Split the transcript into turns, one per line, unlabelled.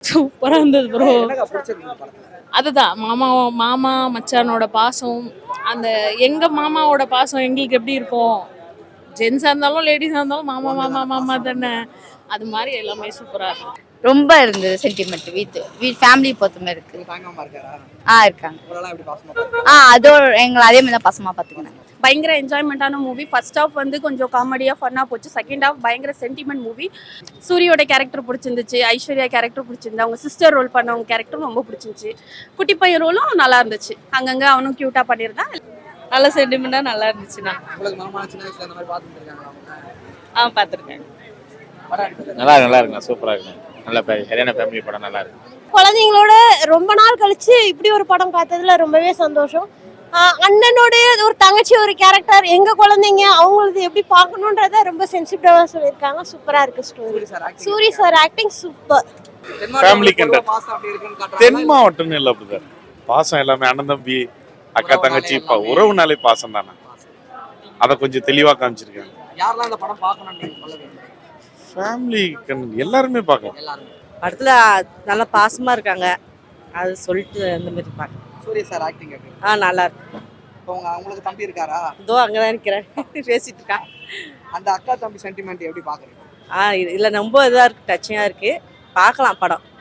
சூப்பரா இருந்தது ப்ரோ.
என்னக்கா பிடிச்சிருக்கு படத்துல?
அதுதான் மாமா மாமா மச்சானோட பாசம். அந்த எங்க மாமாவோட பாசம் எங்களுக்கு எப்படி இருக்கும், ஜென்ஸா இருந்தாலும் லேடிஸா இருந்தாலும் மாமா மாமா மாமா தானே. அது மாதிரி எல்லாமே சூப்பரா இருக்கு.
ரொம்ப இருந்தது சென்டிமெண்ட். வீட் ஃபேமிலி பொறுத்த மாதிரி இருக்கு.
தாங்காம இருக்காரா?
இருக்காங்க.
இவரெல்லாம் எப்படி பாசமா பாருங்க?
அதோ எங்களை அதே மாதிரி தான் பாசமா பார்த்துக்கினாங்க.
பயங்கர என்ஜாய்மெண்ட்டான மூவி. ஃபர்ஸ்ட் ஹாஃப் வந்து கொஞ்சம் காமெடியாக ஃபன்னாக போச்சு. செகண்ட் ஹாஃப் பயங்கர சென்டிமெண்ட் மூவி. சூரியோட கேரக்டர் பிடிச்சிருந்துச்சு, ஐஸ்வர்யா கேரக்டர் பிடிச்சிருந்து, அவங்க சிஸ்டர் ரோல் பண்ணவங்க கேரக்டரும் ரொம்ப பிடிச்சிருந்துச்சு. குட்டி பையன் ரோலும் நல்லா இருந்துச்சு, அங்கங்கே அவனும் க்யூட்டாக பண்ணியிருந்தான்.
நல்ல சென்டிமெண்ட்டாக நல்லா இருந்துச்சுண்ணா.
உங்களுக்கு மாமா சின்ன வயசுல இந்த மாதிரி பார்த்துட்டு இருக்காங்களா அவங்க?
பார்த்துருக்கேன்.
படம் எடுத்தது
நல்லா இருக்குண்ணா, சூப்பராக இருக்குண்ணா. நல்ல சரியான ஃபேமிலி படம், நல்லா இருக்கு.
குழந்தைங்களோட ரொம்ப நாள் கழிச்சு இப்படி ஒரு படம் பார்த்ததுல ரொம்பவே சந்தோஷம். அண்ணனோட ஒரு தங்கச்சி ஒரு கேரக்டர், எங்க குழந்தைங்க அவங்களுக்கு எப்படி பார்க்கணுன்றத ரொம்ப சென்சிட்டிவா சொல்லியிருக்காங்க. சூப்பரா இருக்கு story. Soori sir acting super.
Family content.
பாசம் அப்படி இருக்குன்னு
தென்
காட்டுறாங்க.
மாவட்டம்னு இல்லை அப்படிதான். பாசம் எல்லாமே அண்ணன் தம்பி அக்கா தங்கச்சி உறவுனாலே பாசம் தானே. அதை கொஞ்சம் தெளிவாக காமிச்சிருக்காங்க.
யாரெல்லாம் இந்த படம் பார்க்கணும்னு நீங்க சொல்லுவீங்க?
ஃபேமிலி எல்லாருமே பார்க்கலாம்.
எல்லாரும்.
படத்துல நல்லா பாசமா இருக்காங்க, அது சொல்லிட்டு அந்த மாதிரி பார்க்க.
சூரிய சார் ஆக்டிங் எப்படி?
நல்லா இருக்கு.
இப்போ உங்களுக்கு தம்பி இருக்காரா?
இதோ அங்கதான் இருக்கிறேன், பேசிட்டு இருக்கா.
அந்த அக்கா தம்பி சென்டிமெண்ட் எப்படி பாக்குறீங்க?
இதுல ரொம்ப இதா இருக்கு, டச்சிங்கா இருக்கு. பார்க்கலாம் படம்.